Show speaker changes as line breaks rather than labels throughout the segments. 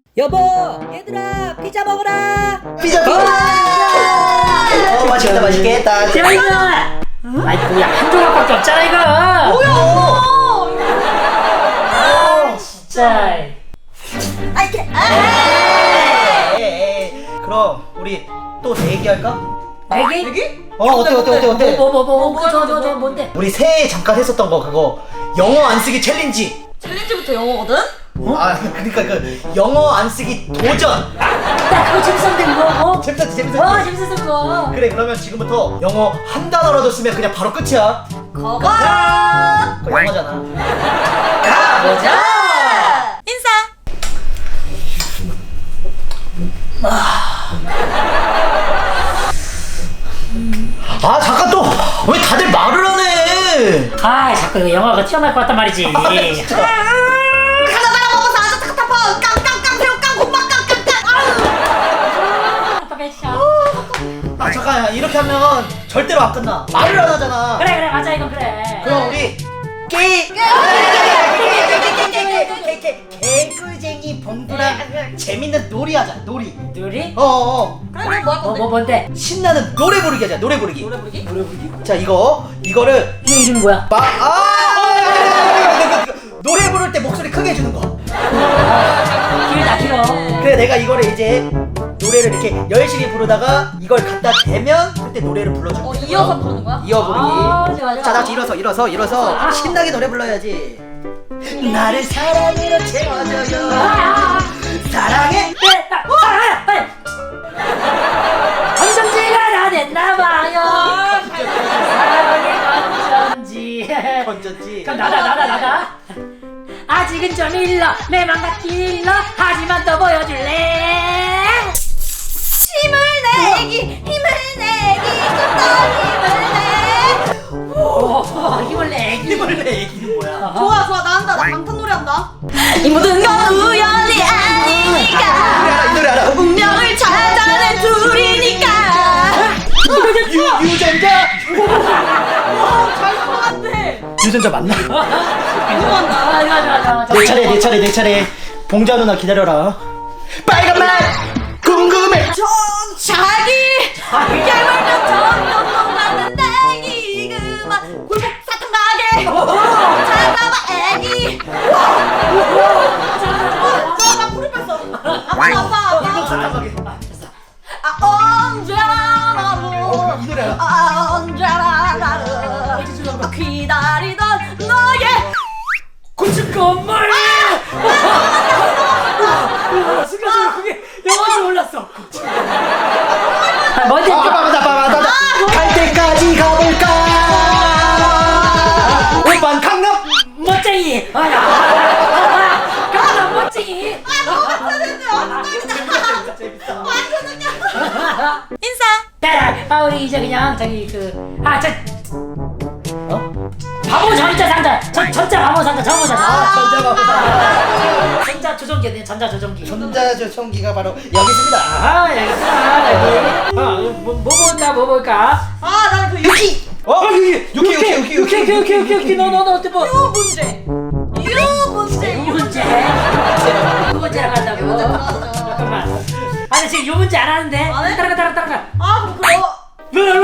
여보, 얘들아, 피자 먹어라.
피자 맛있겠다 맛있겠다.
야 이거 아이 뭐야 한 조각밖에 없잖아 이거.
뭐야?
진짜.
그럼 우리 또 내기할까?
내기?
어때?
저 뭔데?
우리 새해 잠깐 했었던 거 그거 영어 안 쓰기 챌린지.
챌린지부터 영어거든?
아 그러니까 그 영어 안 쓰기 도전.
나 그거 재밌었는데 그거.
재밌었지.
재밌었어 그거.
그래 그러면 지금부터 영어 한 단어라도 쓰면 그냥 바로 끝이야.
거거!
그거 영어잖아.
가보자! 인사!
아 잠깐 또 왜 다들 말을 안 해?
아 자꾸 이거 영화가 튀어나올 것 같단 말이지.
하나 먹어서 아주 타타파! 깡깡깡 새우 깡 고막 깡깡깡!
아 잠깐 이렇게 하면 절대로 안 끝나. 말을 안 하잖아.
그래 맞아 이거 그래.
그럼 우리 개꿀쟁이 봉구랑 재밌는 놀이 하자. 놀이.
놀이?
그래 뭐 할 건데?
뭔데?
신나는 노래 부르기 하자. 노래 부르기.
노래 부르기?
자 이거를
이 이름이 뭐야?
노래 부를 때 목소리 크게 해주는 거.
길다 길어.
그래 내가 이거를 이제 노래를 이렇게 열심히 부르다가 이걸 갖다 대면 그때 노래를 불러줄게.
이어서 부르는 거야?
이어 부르기.
좋아.
자, 다 같이 일어서 신나게 노래 불러야지. 나를 사랑으로 채워줘요. 사랑해.
건전지가 다 됐나봐요. 사랑의 건전지.
건졌지.
그럼 나다. 아직은 좀 일러 내 맘 같기 일러 하지만 또 보여줄래.
힘을 내기 좀더 힘을 내
힘을 내.
힘을 내 얘기는 뭐야?
좋아 나 한다 나 방탄 노래 한다 이 모든 건 우연이 아니니까
이 노래 알아?
운명을 찾아낸 둘이니까
유전자.
잘 들어갔네
유전자 맞나?
맞아.
내 차례. 봉자 누나 기다려라. 빨간맛 궁금해.
자기 깨물면 점점 녹았는데 그만 골목 사탕 가게 찾아봐 애기 나 불을 뺐어 아파 언제나도
이 노래 알아?
언제나 나를 기다리던 너의
고춧 건물. 순간적으로 그게 영어인지 몰랐어. 뭔지
맞아. 갈 때까지 가볼까? 오빤 강남.
멋쟁이. 강남 멋쟁이.
인사
우리 이제 그냥 저기 바보 전자 상자 전자 바보 상자 저거 보자. 전자 조종기
전자조청기가 바로 여기 있습니다.
여기 있어 여기. 뭐 볼까?
나는 그 유키
유키.
너 어때 뭐? 유 문제랑 한다고. 잠깐만. 아니 지금 요 문제 안 하는데.
안 해?
따라가.
그럼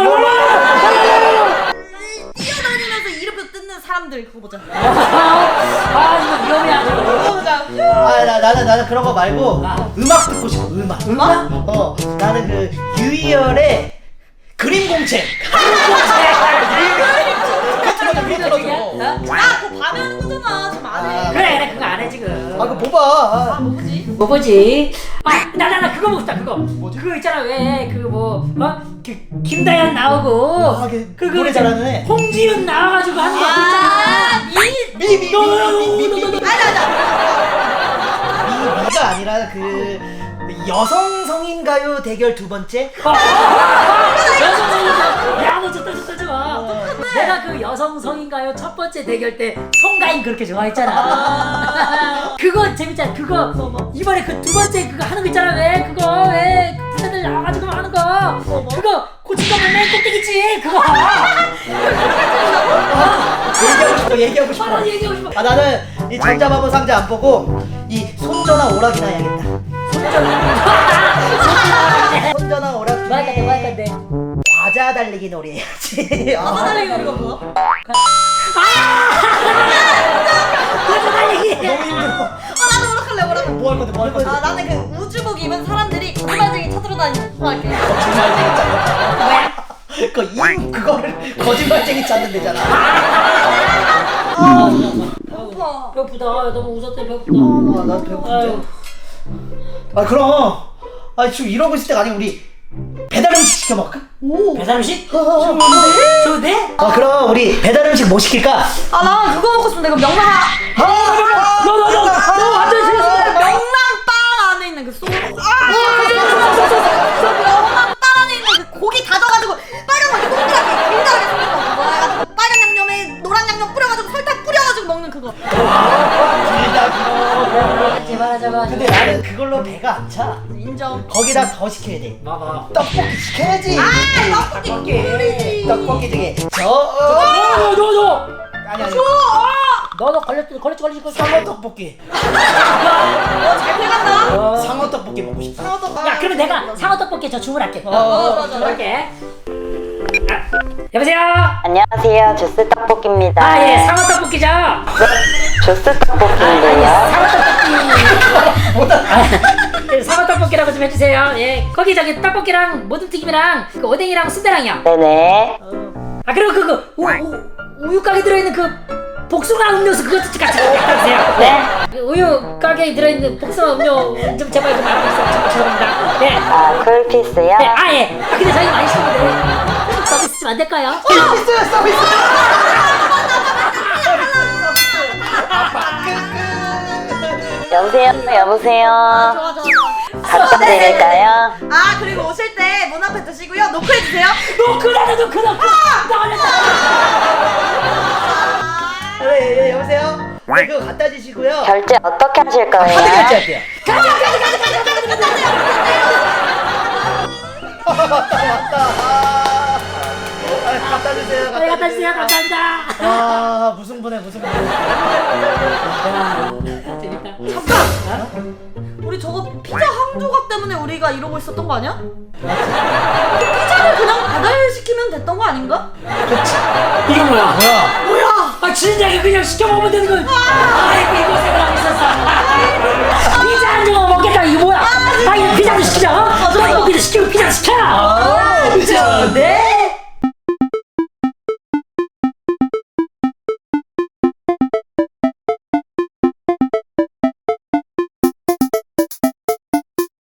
뛰어다니면서 이름표 뜯는 사람들 그거 보자
이거 위험해 아주.
나는 그런 거 말고 음악 듣고 싶어. 음악? 나는 그 유희열의 그림 공책.
그거 밤에 하는 거잖아 지금 안해
그래 그거 안 해 지금.
그거 봐봐.
뭐 보지?
뭐지? 나 그거 보고 싶다 그거. 그거 있잖아 왜 김다현 나오고
노래 잘하는 애.
홍지윤 나와가지고 하는 거 있잖아.
미가 아니라 그 여성 성인가요 대결 두 번째.
야너 좋다 저거. 내가 그 여성 성인가요 첫 번째 대결 때 송가인 그렇게 좋아했잖아. 그거 재밌잖아. 그거 이번에 그 두 번째 그거 하는 거 있잖아. 왜 부자들 나와가지고 하는 거. 그거 고춧가루 맨 꼭대기지 그거.
얘기하고 싶어.
얘기하고 싶어.
나는 이 전자마법 상자 안 보고 이 손전화 오락이나 해야겠다. 손전화 오락중에
뭐 할 건데?
과자 달리기 놀이 해야지.
과자 달리기 이거 뭐야?
과자 달리기.
너무 힘들어.
나도 오락할래 오락.
뭐 할 건데 뭐 할 건데?
나는 그 우주복 입은 사람들이 거짓말쟁이 찾으러 다니는 거 할게.
거짓말쟁이 찾는 그거를 거짓말쟁이 찾는 데잖아.
배고파.
배고프다. 너무 웃었더니 배고프다.
난 배고픈데. 아 그럼. 아 지금 이러고 있을 때가 아니 우리 배달 음식 시켜 먹을까?
배달 음식?
좋은데?
좋은데?
아 그럼 우리 배달 음식 뭐 시킬까?
나 그거 먹고 싶은데 그 명랑
너 완전 싫었어.
명랑빵 안에 있는 그 소스. 명랑빵 안에 있는 그 고기 다져가지고 빨간 거 이렇게 동그랗게 길다랗게 생긴 거 그거 해가지고 빨간 양념에 노란 양념 뿌려가지고 설탕 뿌려가지고 먹는 그거.
길다 길어.
제발하자마.
근데 나는 그걸로 배가 안 차.
인정.
거기다 더 시켜야 돼.
봐봐.
떡볶이 시켜야지.
떡볶이.
떡볶이 중에
너.
아니
너 걸렸지.
상어 떡볶이.
잘 돼간다.
상어 떡볶이 먹고 싶다.
야, 그러면 내가 상어 떡볶이 저 주문할게.
좋아.
주문할게. 여보세요.
안녕하세요. 주스 떡볶이입니다.
아, 예, 상어 떡볶이죠.
주스 떡볶이인데요.
상어 떡볶이. 상어 떡볶이라고 좀 해주세요. 예, 거기 저기 떡볶이랑 모둠튀김이랑 그 오뎅이랑 순대랑요.
네네.
아, 그리고 그거 우유 가게 들어있는 그 복숭아 음료수 그것도 같이 갖다 주세요. 네. 그 우유 가게에 들어있는 복숭아 음료 좀 제발 좀 알아주세요. 죄송합니다. 네.
아, 쿨피스요?
네. 아, 예. 아, 근데 저희 많이 시켰는데 서비스 좀 안 될까요?
서비스.
여보세요.
좋아.
갖다 드릴까요?
그리고 오실 때 문 앞에 두시고요. 노크해주세요.
노크라도 노크. 나 걸렸다.
네, 여보세요. 네, 그거 갖다 주시고요.
결제 어떻게 하실
카드
거예요?
결제할게요. 맞다. 갖다 주세요.
네, 갖다 주세요. 감사합니다.
아 무슨 분해.
야, 재밌다.
우리 저거 피자 한 조각 때문에 우리가 이러고 있었던 거 아니야? 피자를 그냥 배달시키면 됐던 거 아닌가?
이게 뭐야?
뭐야?
아, 진작에 그냥 시켜 먹으면 되는 거. 아,